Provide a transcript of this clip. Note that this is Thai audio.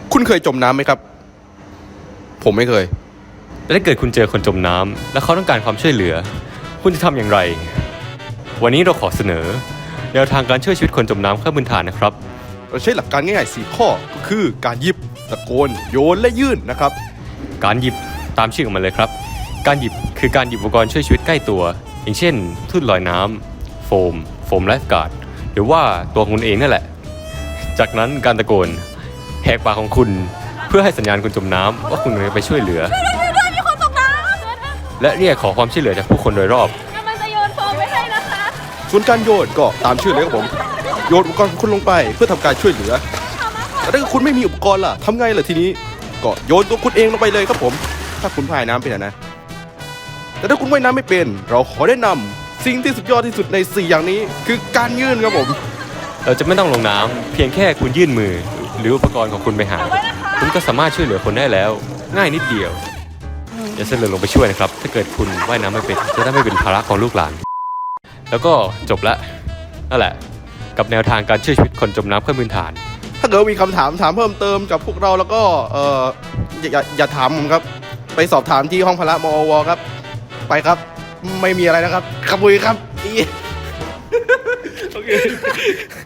คุณเคยจมน้ำไหมครับผมไม่เคยและถ้าเกิดคุณเจอคนจมน้ำและเขาต้องการความช่วยเหลือคุณจะทำอย่างไรวันนี้เราขอเสนอแนวทางการช่วยชีวิตคนจมน้ำขั้นพื้นฐานนะครับเราใช้หลักการง่ายๆ4ข้อก็คือการหยิบตะโกนโยนและยื่นนะครับการหยิบตามชื่อของมันเลยครับการหยิบคือการหยิบอุปกรณ์ช่วยชีวิตใกล้ตัวอย่างเช่นทุ่นลอยน้ำโฟมไลฟ์การ์ดหรือว่าตัวคุณเองนั่นแหละจากนั้นการตะโกนแหกปากของคุณเพื่อให้สัญญาณคนจมน้ำว่าคุณกำลังไปช่วยเหลือมีคนตกน้และเรียกขอความช่วยเหลือจากผู้คนโดยรอบำกำลังจะโยนโฟมไว้ให้นะคะส่วนการโยนก็ตามชื่อเลยครับผมโยนอุปกรณ์ของคุณลงไปเพื่อทำการช่วยเหลือแต่ถ้าคุณไม่มีอุปกรณ์ล่ะทำไงล่ะทีนี้ก็โยนตัวคุณเองลงไปเลยครับผมถ้าคุณพายน้ำเป็นนะแต่ถ้าคุณว่ายน้ำไม่เป็นเราขอแนะนำสิ่งที่สุดยอดที่สุดใน4อย่างนี้คือการยื่นครับผมเราจะไม่ต้องลงน้ำเพียงแค่คุณยื่นมือหรืออุปกรณ์ของคุณไปหาคุณก็สามารถช่วยเหลือคนได้แล้วง่ายนิดเดียวอย่าเสนอลงไปช่วยนะครับถ้าเกิดคุณว่ายน้ำไม่เป็นจะได้ไม่เป็นภาระของลูกหลานแล้วก็จบละนั่นแหละกับแนวทางการช่วยชีวิตคนจมน้ำขั้นพื้นฐานถ้าเกิดมีคำถามเพิ่มเติมกับพวกเราแล้วก็อย่าถามผมครับไปสอบถามที่ห้องพละมอวครับไปครับไม่มีอะไรนะครับขบุยครับโอเค